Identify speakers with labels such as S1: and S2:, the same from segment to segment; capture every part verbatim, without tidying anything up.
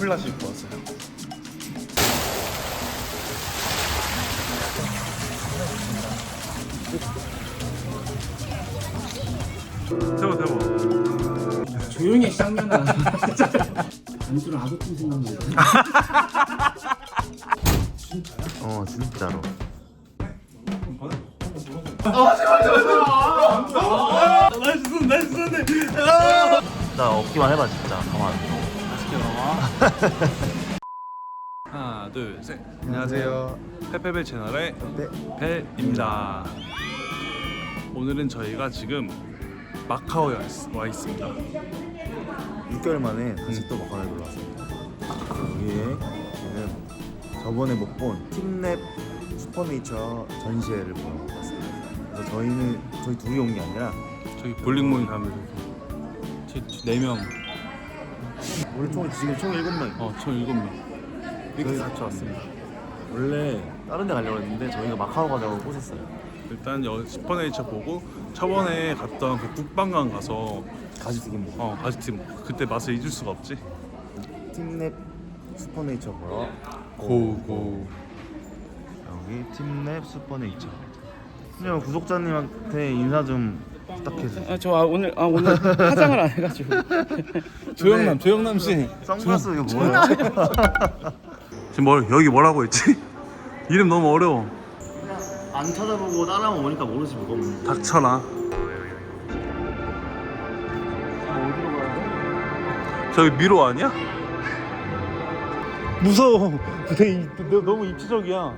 S1: 캠플라시 입고 왔어요. 대박 대박.
S2: 조용히 해 쌍년아. 안주로 아구찜 생각난다.
S3: 어 진짜로.
S1: 나이스 손 나이스 손네.
S3: 나 없기만 해봐 진짜. 가만 안 둬.
S1: 맛있게 나와. 하나 둘 셋.
S3: 안녕하세요.
S1: 페페벨 채널의
S3: 네.
S1: 벨입니다. 오늘은 저희가 지금 마카오에 와 있습니다.
S3: 육 개월 만에 다시 또 마카오에 놀러 왔습니다. 여기에 저는 저번에 못 본 팀랩 슈퍼네이처 전시회를 보러 왔습니다. 그래서 저희는 저희 둘이 온 게 아니라
S1: 저희 볼링 모임 가면서 네 명,
S3: 우리 총 지금 총 일곱 명.
S1: 어, 총 일곱 명 이렇게
S3: 저희-
S1: 같이 왔습니다.
S3: 원래 다른 데 가려고 했는데 저희가 마카오 가자고 꼬셨어요.
S1: 일단 여기 슈퍼네이처 보고 저번에 갔던 그 북방강 가서
S3: 가지튀김 먹어.
S1: 어 가지팀 그때 맛을 잊을 수가 없지.
S3: 팀랩 슈퍼네이처 보러
S1: 고고.
S3: 여기 팀랩 슈퍼네이처. 그냥 구독자님한테 인사 좀 부탁해주세요.
S2: 아, 저 아, 오늘 아 오늘 화장을 안 해가지고.
S1: 조영남 조영남 씨.
S3: 선글라스 이거 뭐야?
S1: 지금 뭘 여기 뭐라고 했지? 이름 너무 어려워.
S3: 안 찾아보고 따라하면 오니까 모르지 뭐가 없는지.
S1: 닥쳐라.
S3: 어디로 가요?
S1: 저기 미로 아니야? 무서워. 되게 너무 입체적이야.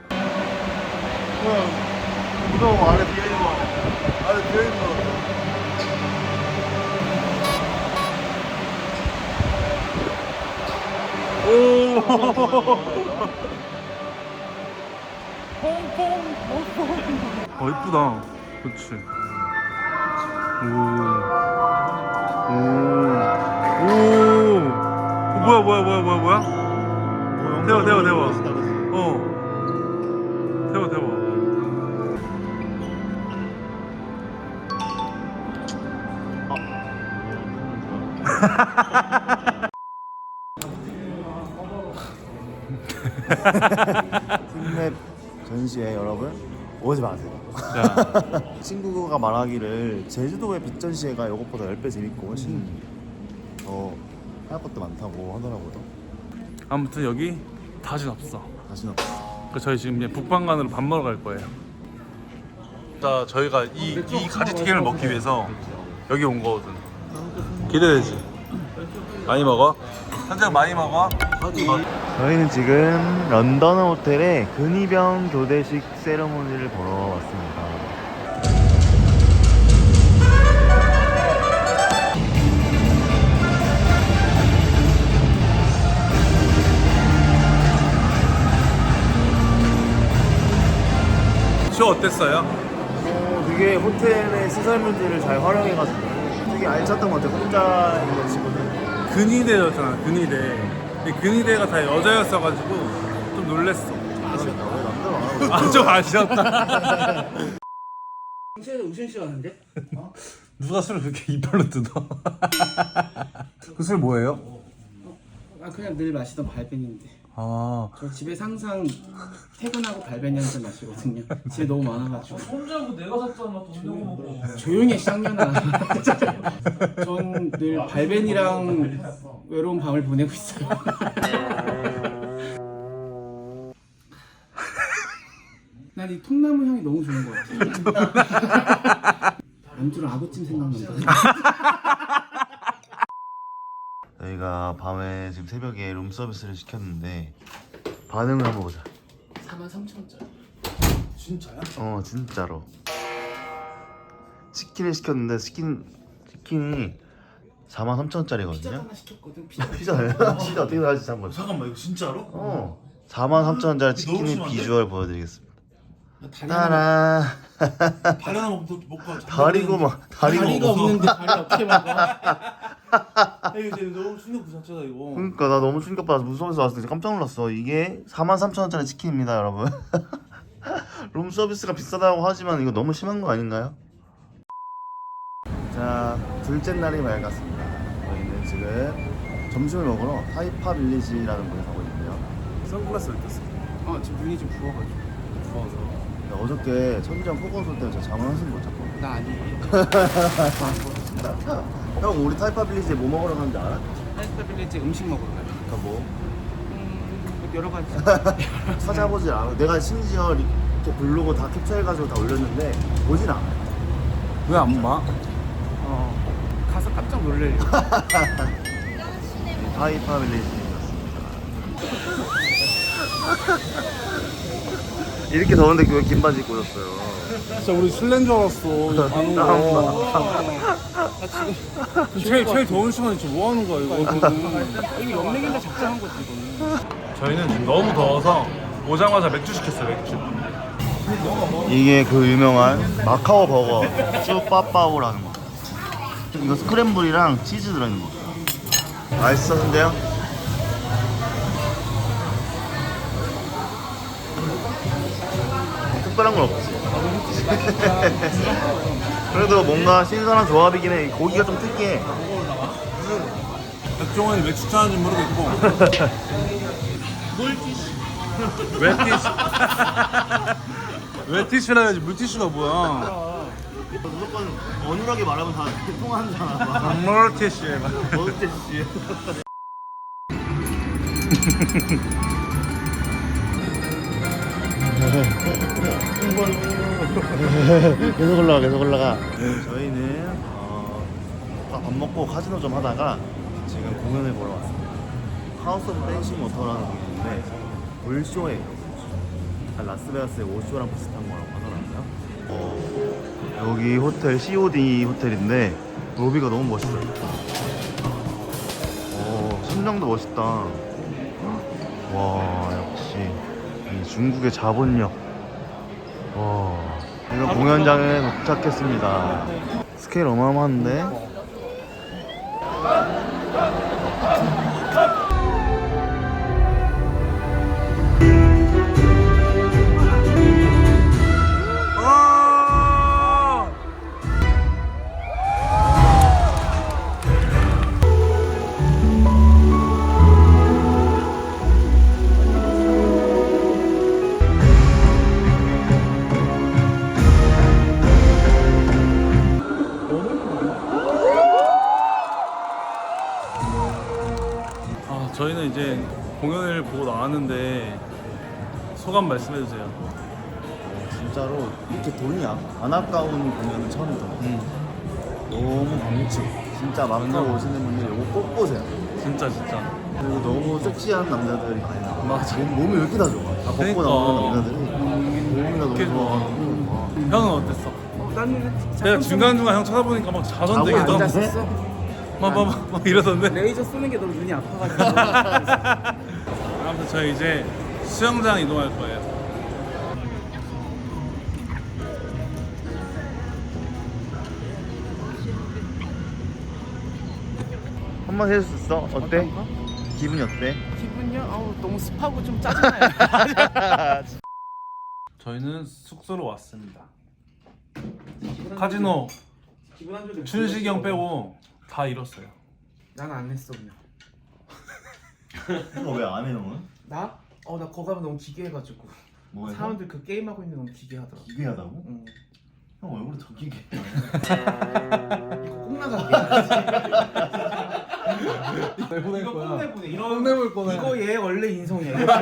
S3: 무서워. 안에 비어있는 거. 안에 비어있는 거.
S1: 어 이쁘다. 그렇지. 오. 오. 오. 어, 뭐야 뭐야 뭐야 뭐야 뭐야? 대박 대박 대박. 어. 대박 대박.
S3: 팀랩 전시회 여러분 오지 마세요.
S1: 자.
S3: 친구가 말하기를 제주도의 빛 전시회가 이것보다 십 배 재밌고 훨씬 더 할 것도 많다고 하더라고요.
S1: 아무튼 여기 다시 없어.
S3: 다시는 없어.
S1: 그 저희 지금 이제 북방간으로 밥 먹으러 갈 거예요. 자, 저희가 이, 이 가지튀김을 먹기 위해서 여기 온 거거든. 기대되지? 많이 먹어? 현장 많이 먹어?
S3: 저희는 지금 런던 호텔에 근위병 교대식 세레모니를 보러 왔습니다.
S1: 쇼 어땠어요?
S3: 어, 되게 호텔의 시설물들을 잘 활용해가지고 되게 알찼던 것 같아요. 혼자 있는 친구들.
S1: 근위대였잖아, 근위대. 근데 근위대가 다 여자였어가지고 좀 놀랬어.
S3: 아쉽다. 왜 남자가 안 하고
S1: 아, 좀 아쉬웠다.
S2: 경찰에서 우신 씨 왔는데?
S1: 누가 술을 그렇게 이빨로 뜯어? 그 술 뭐예요?
S2: 아 그냥 늘 마시던 발벤인데.
S1: 아,
S2: 저 집에서 항상 퇴근하고 발벤 한 잔 마시거든요. 집에 너무 많아가지고.
S4: 혼자고 내가 샀잖아 돈 내고 먹고.
S2: 조용히 해 쌍년아. 전 늘 발벤이랑 외로운 밤을 보내고 있어요. 난 이 통나무 향이 너무 좋은 것 같아. 안주로 아구찜 생각난다.
S3: 저희가 밤에 지금 새벽에 룸서비스를 시켰는데 반응을 한번 보자.
S2: 사만 삼천 원짜리.
S4: 진짜야?
S3: 어 진짜로 치킨을 시켰는데 치킨 치킨이 사만 삼천 원짜리거든요.
S2: 피자 하나 시켰거든. 피자.
S3: 피자예요? 피자 어떻게 나갈지 한번.
S4: 잠깐만 이거 진짜로?
S3: 어 사만 삼천 원짜리
S4: 너무
S3: 치킨의
S4: 심한데?
S3: 비주얼 보여드리겠습니다.
S2: 다리 하나,
S3: 따라
S4: 다리 하나 먹고 먹고
S3: 다리고 막 다리고
S2: 다리가
S3: 먹어.
S2: 없는데 다리 어떻게 먹어?
S4: 이거 진짜 너무 충격 그 자체다 이거.
S3: 그러니까 나 너무 충격받아서 무서워서 왔을 때 깜짝 놀랐어. 이게 사만 삼천 원짜리 치킨입니다 여러분. 룸서비스가 비싸다고 하지만 이거 너무 심한 거 아닌가요? 자 둘째 날이 맑았습니다. 저희는 지금 점심을 먹으러 타이파 빌리지라는 곳에 가고 있는데요.
S1: 선글라스 왜 꼈어?
S2: 어 지금 눈이 좀 부어가지고.
S1: 부어서.
S3: 근데 어저께 천장 폭우 쏠 때문에 저 잠을 한숨 못 잤거든요.
S2: 나 아니고.
S3: 형 우리 타이파 빌리지에 뭐 먹으러 가는지 알아?
S2: 타이파 빌리지 음식 먹으러 가요.
S3: 그러니까 뭐
S2: 음 여러 가지.
S3: 찾아보질 않아. 내가 심지어 이렇게 블로그 다 캡처해가지고 다 올렸는데 보진 않아요.
S1: 왜 안 봐?
S2: 어 가서 깜짝 놀래요.
S3: 타이파 빌리지였습니다. 이렇게 더운데 왜 긴 바지 입고 오셨어요?
S1: 진짜 우리 실내인 줄 알았어. 이거 가는 거. 나 지금 제일 제일 더운 시간에 지금 뭐 하는 거야 이거?
S2: 이거 연맥인데 작정한 거지 이거는.
S1: 저희는 지금 너무 더워서 오자마자 맥주 시켰어요 맥주.
S3: 이게 그 유명한 마카오 버거 쭈빠빠오라는 거. 이거 스크램블이랑 치즈 들어있는 거. 맛있었는데요? 특별한 건 없지. 그래도 뭔가 신선한 조합이긴 해. 고기가 좀 특이해.
S1: 백종원이 맥주 좋아하는지 모르겠고. 물티슈. 왜 티슈? 왜 티슈라야지 물티슈가 뭐야?
S3: 무조건 어눌하게 말하면 다 통하잖아.
S1: 물티슈.
S3: 물티슈. 계속 올라가 계속 올라가. 저희는 어, 아까 밥 먹고 카지노 좀 하다가 지금 공연을 보러 왔습니다. 하우스 오브 댄싱 워터라는 공연인데 올쇼예요. 라스베가스의 오쇼랑 비슷한 거라고 하더라고요. 어, 여기 호텔 씨오디 호텔인데 로비가 너무 멋있어요. 어, 천장도 멋있다. 와 역시 이 중국의 자본력. 와 이거 공연장에 도착했습니다. 스케일 어마어마한데.
S1: 아 저희는 이제 공연을 보고 나왔는데 소감 말씀해 주세요.
S3: 진짜로 이렇게 돈이 안, 안 아까운 공연은 처음이다.
S1: 음.
S3: 너무 광채. 진짜 마카오 오시는 분들 이거 꼭 보세요.
S1: 진짜 진짜.
S3: 그리고 너무 섹시한 남자들이 많이 나와.
S1: 맞아.
S3: 몸, 몸이 왜 이렇게 다 좋아? 다 벗고
S1: 그러니까.
S3: 나오는 남자들이 몸이 다
S1: 이렇게
S3: 너무 좋아가지고.
S1: 형은 어땠어?
S2: 어, 나는 진짜
S1: 내가 중간 중간 형 쳐다보니까 막 자선되게
S3: 자고
S1: 너
S2: 앉았었어.
S1: 막막 막 이러던데.
S2: 레이저 쏘는 게 너무 눈이 아파가지고.
S1: 아무튼 저희 이제 수영장 이동할 거예요.
S3: 한번 해줄 수 있어? 어때?
S2: 어떤가?
S3: 기분이 어때?
S2: 기분이요? 아우 너무 습하고 좀 짜증나요.
S1: 저희는 숙소로 왔습니다. 카지노
S2: 기분 안 좋게.
S1: 춘식이 형 빼고 다 잃었어요.
S2: 난안 했어 그냥.
S3: 이거 왜 안 해, 형은?
S2: 나? 어 나 거기 가면 너무 기괴해가지고.
S3: 뭐 해서?
S2: 사람들 그 게임하고 있는 게 너무 기괴하더라고.
S3: 기괴하다고?
S2: 응.
S3: 형 얼굴이 더 기괴해.
S2: 이거 꼭 나가게.
S1: 내보낼
S2: 이거 꼭 내보내. 이런
S1: 내볼 거네.
S2: 이거 얘 원래 인성이야. 이거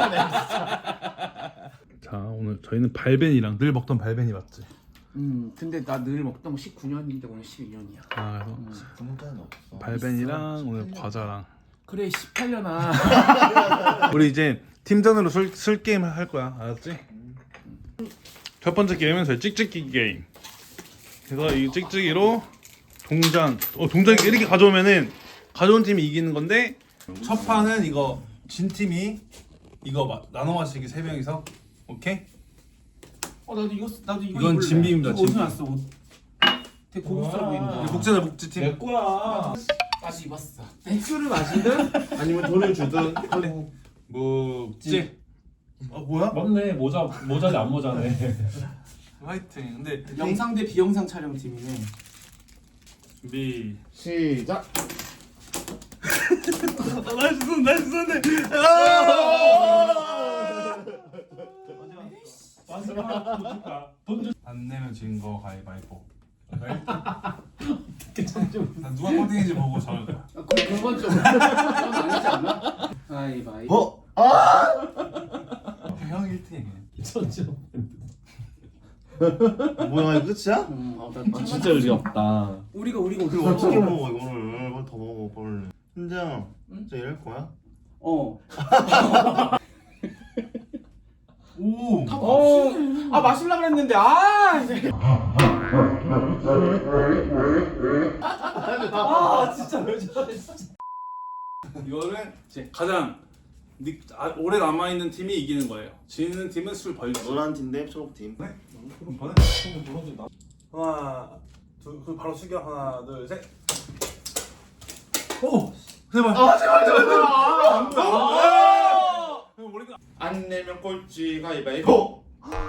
S1: 자 오늘 저희는 발벤이랑 늘 먹던 발벤이 맞지?
S2: 음 근데 나 늘 먹던 거 십구 년인데 오늘 십이 년이야.
S1: 아 그래서
S3: 구멍가는 없어.
S1: 발벤이랑 오늘 과자랑.
S2: 그래 십팔 년아.
S1: 우리 이제 팀전으로 술, 술 게임 할 거야. 알았지? 첫 번째 게임은 저희 찍찍기 게임. 그래서 이 찍찍이로 동전, 어 동전 이렇게 가져오면은 가져온 팀이 이기는 건데 첫 판은 이거 진 팀이 이거 마, 나눠 마시기 세 명이서 오케이?
S2: 어 나도 이거 나도 이거
S1: 이건
S2: 입을래.
S1: 진비입니다,
S2: 이거 어디서
S1: 진비.
S2: 났어 옷? 되게 고급스러워 보인다.
S1: 복제자 복제 팀.
S4: 내 거야.
S2: 다시 입었어. 술을 마시든
S4: 아니면 돈을 주든.
S1: 묵지. 어 뭐야?
S4: 맞네. 모자 모자지 안 모자네.
S1: 화이팅. 근데
S2: 영상 대 비영상 촬영 팀이네.
S1: 준비.
S3: 시작.
S1: 날 주선 날 주선네. 안 내면 진 거 가위바위보. 누가 꼴등인지 보고 정할 거야.
S2: 아, 그, 그건 좀 그건 아니지 않나? 가위바위보.
S3: 어? 아!
S1: 형 일 등이네.
S3: 뭐야 이거 끝이야?
S2: 음, 어, 나, 나
S4: 진짜 의리 없다.
S2: 우리가 우리가
S3: 이거 어떻게 먹어 이거를? 이걸 더 먹어 빨리. 현장 진짜 이럴 거야?
S2: 어.
S1: 오.
S2: 어. 아 마실라 그랬는데 아. 이제. 아 진짜 왜 저래 진짜.
S1: 이거는 이제 가장 니, 아, 오래 남아 있는 팀이 이기는 거예요. 지는 팀은 술 벌죠.
S3: 노란 팀 대 초록 팀.
S1: 네? 그럼 번에 하나, 둘, 그 바로 숙여 하나, 둘, 셋. 오, 제발. 아 제발 제발 제발. 안 보여. 아, 형 머리가.
S3: 안 내면 꼴찌 가위바위보.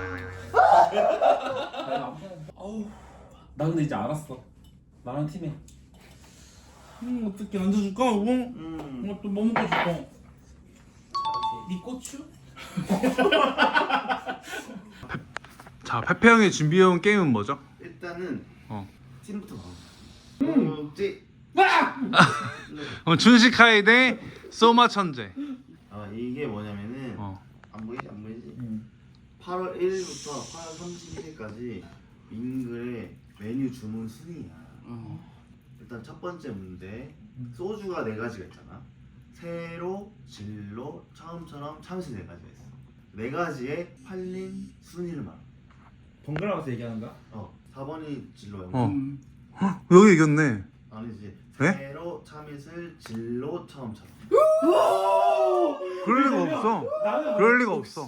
S4: 어우, 나 근데 이제 알았어. 나랑 팀해.
S1: 음 어떻게 앉아줄까? 뭐?
S3: 음.
S1: 이것도 뭐 먹고 싶어? 니 고추? 자, 페페 형이 준비해온 게임은 뭐죠?
S3: 일단은
S1: 어.
S3: 팀부터 나와. 꼴찌.
S1: 어, 준식하이 대 소마 천재.
S3: 아 이게 뭐냐면은
S1: 어.
S3: 안 보이지 안 보이지?
S4: 응.
S3: 팔월 일일부터 팔월 삼십일일까지 밍글의 메뉴 주문 순위야.
S2: 어.
S3: 일단 첫 번째 문제 소주가 네 가지가 있잖아. 세로, 진로, 처음처럼 참치 네 가지가 있어. 네 가지의 팔린 순위를 말해.
S4: 번갈아 가서 얘기하는 거야?
S3: 어, 사 번이 진로야.
S1: 어.
S2: 음.
S1: 여기 이겼네.
S3: 아니지.
S1: 네?
S3: 세로, 참이슬, 진로, 처음처럼.
S1: 그럴 리가 없어. 그럴 리가 없어.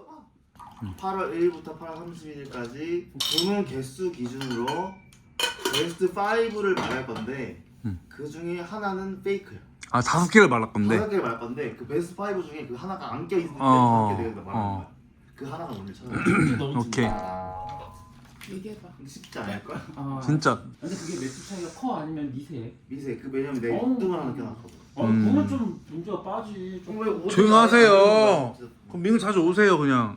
S3: 팔월 일일부터 팔월 삼십일일까지 주문 개수 기준으로 베스트 오를 말할 건데
S1: 음.
S3: 그 중에 하나는 페이크야.
S1: 아 다섯 개를 말할 건데.
S3: 다섯 개를 말할 건데 그 베스트 오 중에 그 하나가 안 껴있을 때
S1: 어,
S3: 다섯 개 내가 말하는
S1: 어.
S3: 거야. 그 하나가 오늘 찾아.
S1: 오케이.
S2: 얘기해봐.
S3: 쉽지 않을걸?
S2: 아.
S1: 진짜.
S2: 근데 그게 매수 차이가 커 아니면 미세?
S3: 미세 그 왜냐면 내
S2: 어.
S3: 육등을 하나 껴놨거든.
S2: 어
S1: 음.
S2: 그러면 좀 문제가 빠지. 좀.
S1: 조용히 하세요. 그럼 밍 자주 오세요 그냥.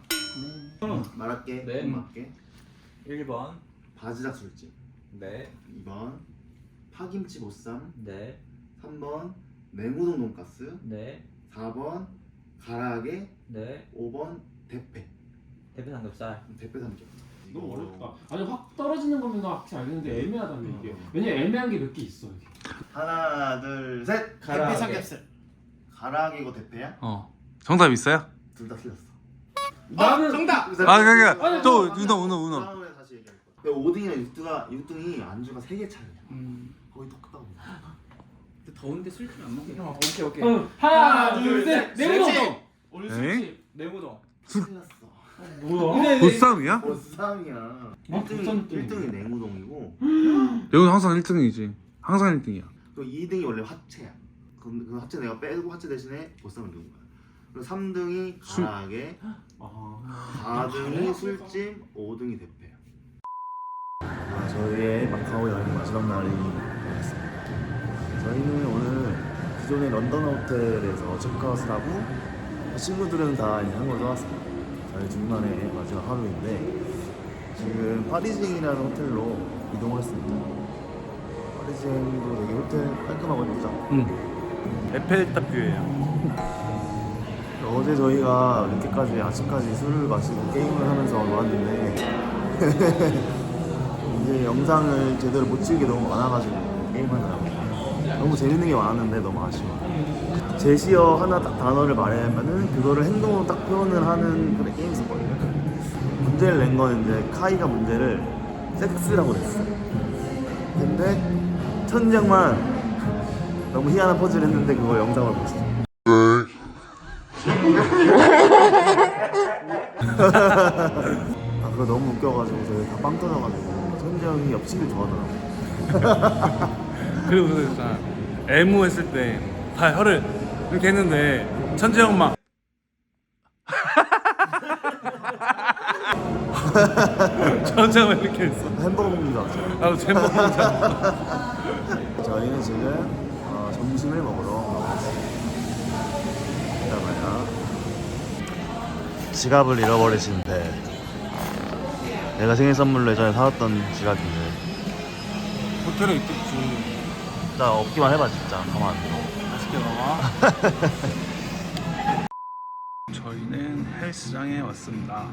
S3: 말할게.
S2: 네.
S3: 말할게.
S4: 일 번.
S3: 바지락 술집.
S4: 네.
S3: 이 번 파김치 보쌈.
S4: 네.
S3: 삼 번 냉우동 돈가스.
S4: 네.
S3: 사 번 가라아게.
S4: 네.
S3: 오 번 대패.
S4: 대패 삼겹살.
S3: 대패 삼겹.
S2: 너무 어렵다. 아니 확 떨어지는 거면 나 확실히 알겠는데 애매하다며 이게.
S3: 어.
S2: 왜냐면 애매한 게 몇 개 있어 이게.
S3: 하나 둘 셋.
S4: 가라아게.
S3: 대패 삼겹살. 가라아게고 대패야?
S1: 어. 정답 있어요?
S3: 둘 다 틀렸어.
S2: 나는 정답.
S1: 아 그러니까
S2: 아니,
S1: 또
S2: 아니,
S1: 은호 은호 은호.
S3: 다음에 다시 얘기할 거야. 근데 오 등이랑 육 등가 육 등이 안주가 세 개 차이야.
S2: 음.
S3: 거의 똑같다고.
S2: 근데 더운데 술집 안 먹게.
S4: 오케이 오케이.
S2: 응. 하나 둘 셋. 내무동.
S1: 에이?
S2: 술집 내무동.
S3: 틀렸어.
S2: 뭐야?
S1: 보쌈이야?
S3: 보쌈이야. 일 등이
S2: 보쌈
S3: 일 등이 냉우동이고
S1: 여기는 항상 일 등이지. 항상 일 등이야.
S3: 그 이 등이 원래 화채야. 그, 그 화채 내가 빼고 화채 대신에 보쌈을 넣은 거야. 그리고 삼 등이
S1: 술.
S3: 가라아게,
S2: 아.
S3: 사 등이 술찜, 오 등이 대패야. 아, 저희의 마카오 여행 마지막 날이 되었습니다. 저희는 오늘 기존의 런던 호텔에서 체크아웃을 하고 친구들은 다 이제 한국으로 떠났습니다. 저희 둘만의 마지막 하루인데 지금 파리징이라는 호텔로 이동을 했습니다. 파리징도 되게 호텔 깔끔하고 예쁘죠?
S1: 응. 에펠탑 뷰예요.
S3: 어제 저희가 늦게까지 아침까지 술을 마시고 게임을 하면서 놀았는데 이제 영상을 제대로 못 찍게 너무 많아가지고 게임하느라고 너무 재밌는 게 많았는데 너무 아쉬워. 제시어 하나 딱 단어를 말하면은 그거를 행동으로 딱 표현을 하는 그런 게임이 있었거든요. 문제를 낸 거는 이제 카이가 문제를 섹스라고 냈어. 근데 천장만 너무 희한한 퍼즐을 했는데 그거 영상을 보시죠. 아 그거 너무 웃겨가지고 저희 다 빵 터져가지고 천재형이 옆치기를 좋아하더라고.
S1: 그리고 그 있잖아. 애무 했을 때 다 혀를 이렇게 했는데 천재 형 막. 천재 형 이렇게 했어.
S3: 햄버거 먹는 줄 알았죠.
S1: 나도 제목 혼자.
S3: 저희는 지금 어, 점심을 먹으러 지갑을 잃어버리신 배. 내가 생일 선물로 예전에 사왔던 지갑인데
S1: 호텔에 있겠지.
S3: 진짜 없기만 해봐. 진짜 가만 안 둬.
S1: 맛있게 나와. 저희는 헬스장에 왔습니다.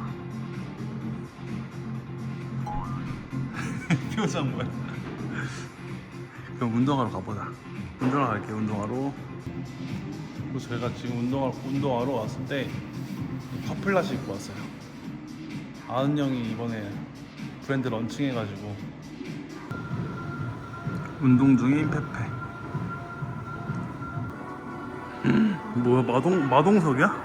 S1: 표정 뭐야? 그럼 운동하러 가보자. 운동하러 갈게요. 운동하러. 그리고 저희가 지금 운동하러, 운동하러 왔을 때 파플라시 입고 왔어요. 아은 형이 이번에 브랜드 런칭해가지고 운동 중인 페페. 뭐야, 마동 마동석이야?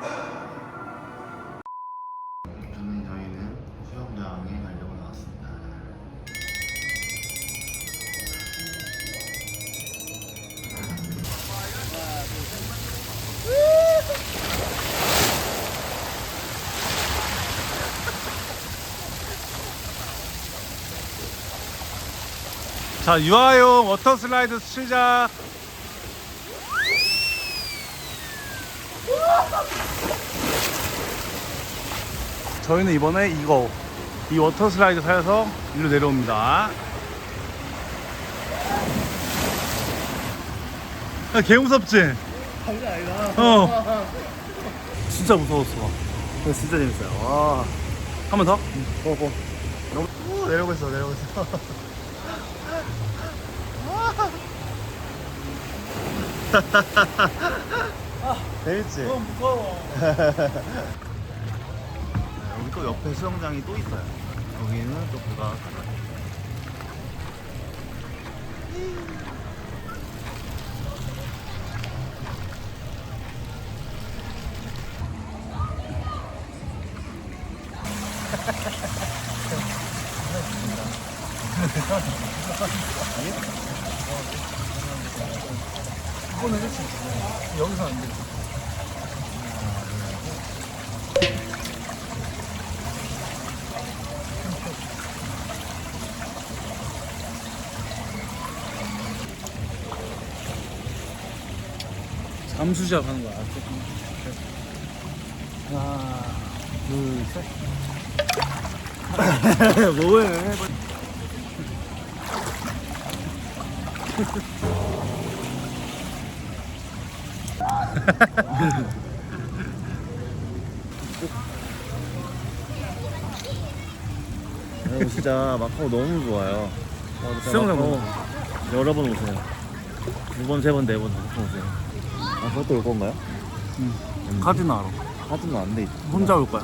S3: 저희는 수영장에 가려고 나왔습니다.
S1: 자, 유아용 워터 슬라이드 시작. 저희는 이번에 이거 이 워터 슬라이드 타서 일로 내려옵니다. 야, 개 무섭지?
S3: 장난 아니다.
S1: 어. 진짜 무서웠어.
S3: 진짜 재밌어요. 와.
S1: 한 번 더?
S3: 어, 어. 너무 오, 내려오고 있어, 내려오고 있어. 재밌지?
S1: 너무 무서워.
S3: 여기 또 옆에 수영장이 또 있어요. 여기는 또 그가
S1: 이거는 그렇지. 여기서 안 돼. 잠수작 하는 거야. 하나, 둘, 셋.
S3: 뭐해? 여러분 진짜 마카오 너무 좋아요.
S1: 수영장
S3: 마카오 여러 번 오세요. 두 번, 세 번, 네 번, 다섯 번 오세요. 아 그것도 올 건가요?
S1: 응. 카지나로.
S3: 하지는 안 돼 있어.
S1: 혼자 올 거야.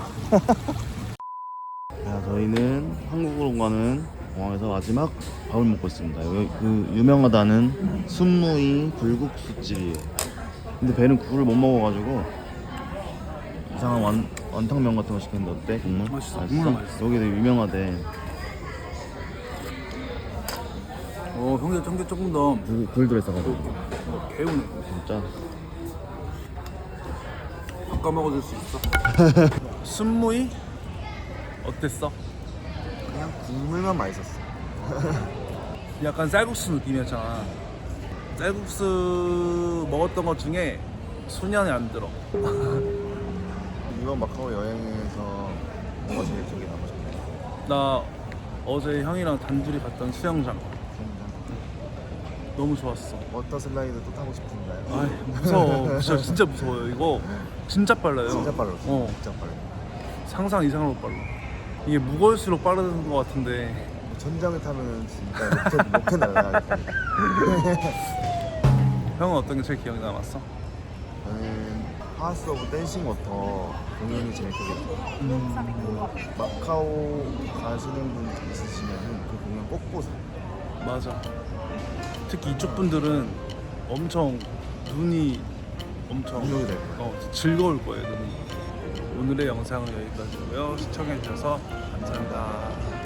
S3: 자, 저희는 한국으로 가는 공항에서 마지막 밥을 먹고 있습니다. 여기 그 유명하다는 순무이 불국수집이에요. 근데 배는 굴을 못 먹어가지고 이상한 완, 완탕면 같은 거 시켰는데 어때? 국물?
S1: 맛있어. 국물 맛있어.
S3: 여기도 유명하대.
S1: 어, 형제 청개 조금 더
S3: 굴, 굴 들어있어가지고
S1: 개우네.
S3: 진짜
S1: 바꿔 먹어줄 수 있어. 순무이 어땠어?
S3: 그냥 국물만 맛있었어.
S1: 약간 쌀국수 느낌이었잖아. 쌀국수 먹었던 것 중에 소년이 안 들어.
S3: 이번 마카오 여행에서 뭐가 제일 기억에 남으셨나요?
S1: 나 어제 형이랑 단둘이 갔던 수영장 너무 좋았어.
S3: 워터 슬라이드 또 타고 싶은가요?
S1: 아, 무서워. 진짜, 진짜 무서워요. 이거 진짜 빨라요.
S3: 진짜 빨랐어.
S1: 어.
S3: 진짜 빨라.
S1: 상상 이상으로 빨라. 이게 무거울수록 빠른 것 같은데.
S3: 천장을 타면은 진짜 로켓, 로켓 날아가겠다.
S1: 형은 어떤 게 제일 기억에 남았어?
S3: 저는 하우스 오브 댄싱 워터 공연이 제일 기억에 남아요.
S1: 음,
S3: 마카오 가시는 분 있으시면은 그 공연 꼭 보세요.
S1: 맞아. 특히 이쪽 분들은 엄청 눈이 엄청
S3: 운동이 될 거예요.
S1: 어, 즐거울 거예요. 눈이. 오늘의 영상은 여기까지고요. 시청해주셔서 감사합니다.